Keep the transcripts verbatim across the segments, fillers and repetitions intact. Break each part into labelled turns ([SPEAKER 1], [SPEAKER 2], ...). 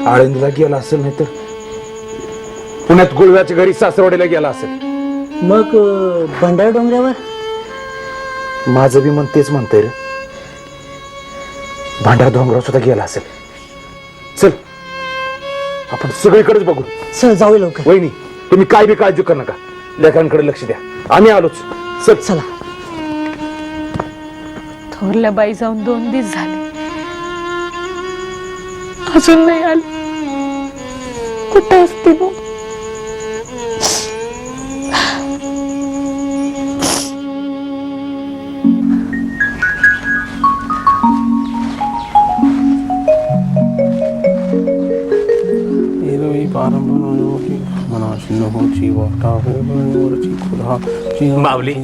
[SPEAKER 1] आळंदीला गेला असेल, नाही तर पुण्यात गुळव्याच्या घरी सासरवाडीला गेला असेल.
[SPEAKER 2] मग भंडार डोंगरावर
[SPEAKER 1] माझं बी मन तेच म्हणतंय रे. भांडार डोंगरावर सुद्धा गेला असेल. चल आपण सगळीकडेच बघू.
[SPEAKER 2] चल जाऊ लवकर.
[SPEAKER 1] वहिनी तुम्ही काय बी काळजी करू नका, लेकरांकडे लक्ष द्या. आम्ही आलोच. चल
[SPEAKER 2] चला.
[SPEAKER 3] थोरल्या बाई जाऊन दोन दिवस झाले, अजून नाही आले. कुठे असते मग?
[SPEAKER 1] माऊली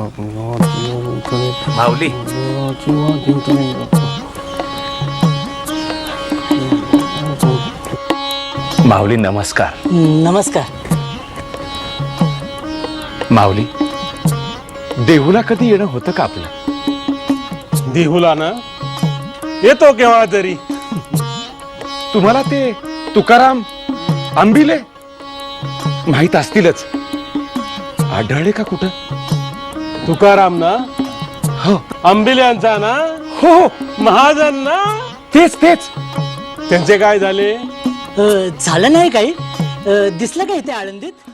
[SPEAKER 1] माऊली माऊली नमस्कार.
[SPEAKER 2] नमस्कार.
[SPEAKER 1] माऊली देहूला कधी येणं होतं का आपलं?
[SPEAKER 4] देहूला ना येतो केव्हा तरी.
[SPEAKER 1] तुम्हाला ते तुकाराम आंबिले माहित असतीलच. आढळले का कुठं?
[SPEAKER 4] तुकाराम ना?
[SPEAKER 1] हो
[SPEAKER 4] आंबिल्यांचा ना?
[SPEAKER 1] हो
[SPEAKER 4] महाजन ना?
[SPEAKER 1] तेच तेच.
[SPEAKER 4] त्यांचे काय झाले?
[SPEAKER 2] झालं नाही काही? दिसलं का इथे आळंदीत?